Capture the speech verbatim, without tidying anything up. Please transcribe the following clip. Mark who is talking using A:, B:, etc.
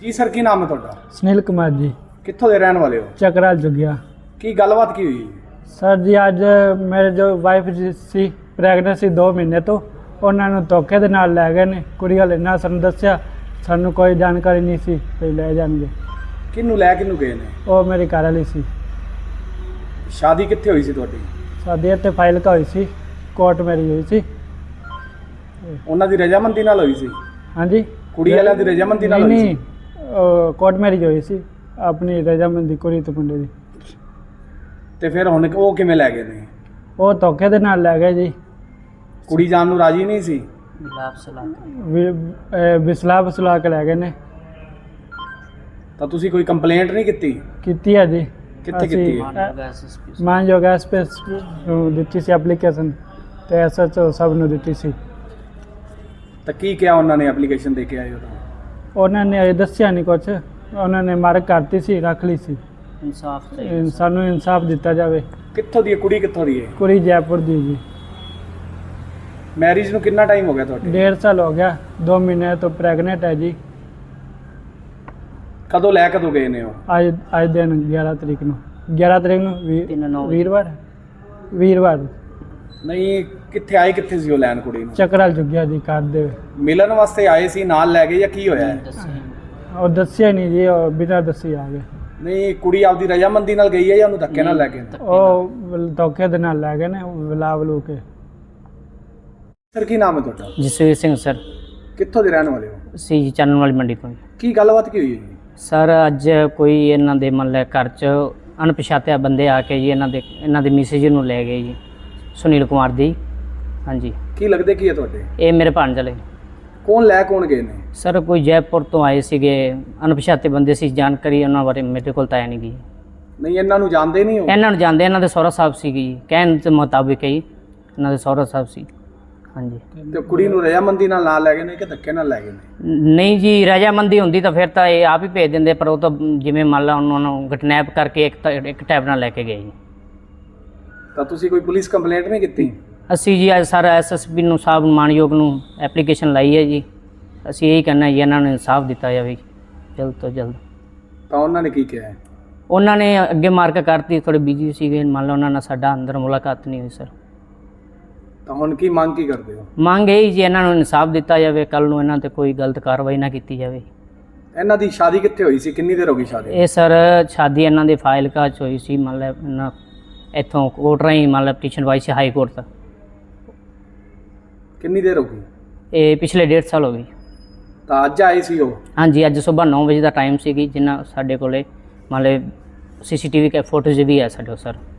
A: जी sir की नाम है ਤੁਹਾਡਾ?
B: सुनील कुमार जी।
A: कित्थों दे रहने वाले हो?
B: चकराल जुगिया।
A: की गलबात की हुई?
B: सर जी अज मेरे जो वाइफ जी सी प्रैगनेंट सी दो महीने तो उन्होंने धोखे दे नाल लै गए ने। कुड़ी वाले ना सानू दस्सिया, सानू कोई जानकारी नहीं सी भी ले जाएंगे।
A: किन्नू लै किन्नू गए ने?
B: वो मेरी घर वाली सी।
A: शादी कित्थे हुई सी ਤੁਹਾਡੀ?
B: शादी इत्थे फाइल का हुई सी, कोर्ट मैरिज हुई सी।
A: ਉਹਨਾਂ ਦੀ ਰਜਾਮੰਦੀ ਨਾਲ ਹੋਈ ਸੀ?
B: हाँ जी।
A: ਕੁੜੀ ਵਾਲਿਆਂ ਦੀ ਰਜਾਮੰਦੀ ਨਾਲ
B: नहीं
A: ਹੋਈ
B: नहीं
A: ਸੀ?
B: कोर्ट मैरिज हुई सी अपनी रजामंदी कुड़ी तो मुंडे दी।
A: ਤੇ ਫਿਰ ਹੁਣ ਉਹ ਕਿਵੇਂ ਲੈ ਗਏ ਨੇ?
B: वो धोखे दे नाल लै गए जी।
A: ਕੁੜੀ ਜਾਣ ਨੂੰ ਰਾਜੀ ਨਹੀਂ ਸੀ?
B: बिसला बसला के लै गए ने।
A: ਤਾਂ ਤੁਸੀਂ ਕੋਈ ਕੰਪਲੇਂਟ ਨਹੀਂ ਕੀਤੀ?
B: ਕੀਤੀ ਹੈ ਜੀ।
A: ਕਿੱਥੇ
B: ਅਸੀਂ,
A: ਕੀਤੀ ਹੈ?
B: ਅ, ਮਾਨਯੋਗ ਐਸਪੀ ਨੂੰ ਦਿੱਤੀ ਸੀ ਐਪਲੀਕੇਸ਼ਨ ਤੇ ਐਸਐਚਓ ਸਭ ਨੂੰ ਦਿੱਤੀ ਸੀ।
A: ਤਾਂ ਕੀ ਕਿਹਾ ਉਹਨਾਂ ਨੇ ਐਪਲੀਕੇਸ਼ਨ ਦੇ ਕੇ ਆਏ ਹੋ ਤਾਂ?
B: ਉਹਨਾਂ ਨੇ ਅਜੇ ਦੱਸਿਆ ਨਹੀਂ ਕੁਛ, ਉਹਨਾਂ ਨੇ ਮਾਰਕ ਕਰਤੀ ਸੀ, ਰੱਖ ਲਈ ਸੀ।
C: ਇਨਸਾਫ
B: ਸਾਨੂੰ ਇਨਸਾਫ ਦਿੱਤਾ ਜਾਵੇ।
A: ਕਿੱਥੋਂ ਦੀ ਹੈ ਕੁੜੀ? ਕਿੱਥੋਂ ਦੀ ਹੈ?
B: ਕੁੜੀ ਜੈਪੁਰ ਦੀ ਜੀ।
A: ਮੈਰਿਜ ਨੂੰ ਕਿੰਨਾ ਟਾਈਮ ਹੋ ਗਿਆ ਤੁਹਾਡੇ?
B: ਡੇਢ ਸਾਲ ਹੋ ਗਿਆ, ਦੋ ਮਹੀਨੇ ਤੋਂ ਪ੍ਰੈਗਨੈਂਟ ਹੈ ਜੀ।
A: ਕਦੋਂ ਲੈ ਕਦੋਂ ਗਏ ਨੇ ਉਹ?
B: ਅੱਜ ਅੱਜ ਦਿਨ ਗਿਆਰਾਂ ਤਰੀਕ ਨੂੰ ਗਿਆਰਾਂ ਤਰੀਕ ਨੂੰ ਵੀ-
C: ਤਿੰਨ ਨੌਂ
B: ਵੀਰਵਾਰ ਵੀਰਵਾਰ
A: ਨਹੀਂ, ਕਿੱਥੇ ਆਏ ਕਿੱਥੇ ਸੀ ਉਹ ਲੈਣ ਕੁੜੀ ਨੂੰ?
B: ਚੱਕਰਾਲ ਜੁਗਿਆ ਜੀ ਕਰ ਦੇ।
A: ਮਿਲਣ ਵਾਸਤੇ ਆਏ ਸੀ, ਨਾਲ ਲੈ ਗਏ ਜਾਂ ਕੀ ਹੋਇਆ ਹੈ?
B: ਉਹ ਦੱਸਿਆ ਨਹੀਂ ਜੀ, ਉਹ ਬਿਨਾਂ ਦੱਸੀ ਆ ਗਏ।
A: ਨਹੀਂ, ਕੁੜੀ ਆਪਦੀ ਰਜਾਮੰਦੀ ਨਾਲ ਗਈ ਹੈ ਜਾਂ ਉਹਨੂੰ ਧੱਕੇ ਨਾਲ ਲੈ ਗਏ ਨੇ?
B: ਉਹ ਧੋਖੇ ਦੇ ਨਾਲ ਲੈ ਗਏ ਨੇ ਵਲਾ ਵਲੂ ਕੇ।
A: ਸਰ ਕੀ ਨਾਮ ਹੈ ਤੁਹਾਡਾ?
C: ਜਸਵੀਰ ਸਿੰਘ ਸਰ,
A: ਕਿੱਥੋਂ ਦੇ ਰਹਿਣ ਵਾਲੇ ਹੋ?
C: ਸੀ ਚੰਨ ਵਾਲੀ ਮੰਡੀ ਤੋਂ।
A: ਕੀ ਗੱਲਬਾਤ ਕੀ ਹੋਈ ਹੈ ਜੀ?
C: ਸਰ ਅੱਜ ਕੋਈ ਇਹਨਾਂ ਦੇ ਮਤਲਬ ਘਰ 'ਚ ਅਣਪਛਾਤਿਆ ਬੰਦੇ ਆ ਕੇ ਜੀ ਇਹਨਾਂ ਦੇ ਇਹਨਾਂ ਦੇ ਮਿਸੇਜ ਨੂੰ ਲੈ ਗਏ ਜੀ, ਸੁਨੀਲ ਕੁਮਾਰ ਦੀ। ਹਾਂਜੀ,
A: ਕੀ ਲੱਗਦੇ ਕੀ ਹੈ ਤੁਹਾਡੇ?
C: ਇਹ ਮੇਰੇ ਭਾਣਜਲੇ।
A: ਕੌਣ ਲੈ ਕੌਣ ਗਏ ਨੇ?
C: ਸਰ ਕੋਈ ਜੈਪੁਰ ਤੋਂ ਆਏ ਸੀਗੇ, ਅਣਪਛਾਤੇ ਬੰਦੇ ਸੀ, ਜਾਣਕਾਰੀ ਉਹਨਾਂ ਬਾਰੇ ਮੇਰੇ ਕੋਲ ਤਾਂ ਹੈ ਨਹੀਂ ਗਈ।
A: ਨਹੀਂ, ਇਹਨਾਂ ਨੂੰ ਜਾਣਦੇ ਨਹੀਂ ਹੋ?
C: ਇਹਨਾਂ ਨੂੰ ਜਾਣਦੇ, ਇਹਨਾਂ ਦੇ ਸਹੁਰਾ ਸਾਹਿਬ ਸੀਗੇ ਜੀ, ਕਹਿਣ ਦੇ ਮੁਤਾਬਿਕ ਹੀ ਇਹਨਾਂ ਦੇ ਸਹੁਰਾ ਸਾਹਿਬ ਸੀ। ਹਾਂਜੀ।
A: ਤੇ ਕੁੜੀ ਨੂੰ ਰਜਾਮੰਦੀ ਨਾਲ ਨਾਲ ਲੈ ਗਏ ਨੇ ਕਿ ਧੱਕੇ ਨਾਲ ਲੈ ਗਏ ਨੇ?
C: ਨਹੀਂ ਜੀ, ਰਜਾਮੰਦੀ ਹੁੰਦੀ ਤਾਂ ਫਿਰ ਤਾਂ ਇਹ ਆਪ ਹੀ ਭੇਜ ਦਿੰਦੇ, ਪਰ ਉਹ ਤਾਂ ਜਿਵੇਂ ਮੰਨ ਲਾ ਉਹਨਾਂ ਨੂੰ ਕਿਡਨੈਪ ਕਰਕੇ ਇੱਕ ਤਾਂ ਇੱਕ ਟੈਬ ਨਾਲ ਲੈ ਕੇ ਗਏ ਜੀ।
A: ਤਾਂ ਤੁਸੀਂ ਕੋਈ ਪੁਲਿਸ ਕੰਪਲੇਂਟ ਨਹੀਂ ਕੀਤੀ?
C: ਅਸੀਂ ਜੀ ਅੱਜ ਸਾਰਾ ਐਸਐਸਪੀ ਨੂੰ ਸਾਹਿਬ ਮਾਨਯੋਗ ਨੂੰ ਐਪਲੀਕੇਸ਼ਨ ਲਾਈ ਹੈ ਜੀ। ਅਸੀਂ ਇਹੀ ਕਹਿਣਾ ਜੀ ਇਹਨਾਂ ਨੂੰ ਇਨਸਾਫ ਦਿੱਤਾ ਜਾਵੇ ਜਲਦ ਤੋਂ ਜਲਦ।
A: ਤਾਂ ਉਹਨਾਂ ਨੇ ਕੀ ਕਿਹਾ ਹੈ?
C: ਉਹਨਾਂ ਨੇ ਅੱਗੇ ਮਾਰਕ ਕਰਤੀ, ਥੋੜੇ ਬਿਜੀ ਸੀਗੇ, ਮੰਨ ਲਓ ਉਹਨਾਂ ਨਾਲ ਸਾਡਾ ਅੰਦਰ ਮੁਲਾਕਾਤ ਨਹੀਂ ਹੋਈ ਸਰ।
A: ਤਾਂ ਹੁਣ ਕੀ ਮੰਗ ਕੀ ਕਰਦੇ ਹੋ?
C: ਮੰਗ ਇਹ ਜੀ ਇਹਨਾਂ ਨੂੰ ਇਨਸਾਫ ਦਿੱਤਾ ਜਾਵੇ, ਕੱਲ ਨੂੰ ਇਹਨਾਂ ਤੇ ਕੋਈ ਗਲਤ ਕਾਰਵਾਈ ਨਾ ਕੀਤੀ ਜਾਵੇ।
A: ਇਹਨਾਂ ਦੀ ਸ਼ਾਦੀ ਕਿੱਥੇ ਹੋਈ ਸੀ? ਕਿੰਨੀ ਦੇਰ ਹੋ ਗਈ ਸ਼ਾਦੀ?
C: ਇਹ ਸਰ ਸ਼ਾਦੀ ਇਹਨਾਂ ਦੇ ਫਾਈਲ ਕਾਚ ਹੋਈ ਸੀ, ਮਤਲਬ ਇਹਨਾਂ ਇੱਥੋਂ ਕੋਰਟ ਰਾਹੀਂ ਮਤਲਬ ਪਟੀਸ਼ਨ ਪਾਈ ਸੀ ਹਾਈ ਕੋਰਟ ਤੱਕ।
A: ਕਿੰਨੀ ਦੇਰ ਹੋ ਗਈ?
C: ਇਹ ਪਿਛਲੇ ਡੇਢ ਸਾਲ ਹੋ ਗਈ।
A: ਤਾਂ ਅੱਜ ਆਏ ਸੀ ਉਹ?
C: ਹਾਂਜੀ, ਅੱਜ ਸਵੇਰ ਨੌ ਵਜੇ ਦਾ ਟਾਈਮ ਸੀਗੀ, ਜਿੰਨਾ ਸਾਡੇ ਕੋਲੇ ਮਤਲਬ ਸੀਸੀਟੀਵੀ ਕੈ ਫੋਟੋਜ਼ ਵੀ ਹੈ ਸਾਡੇ ਕੋਲ ਸਰ।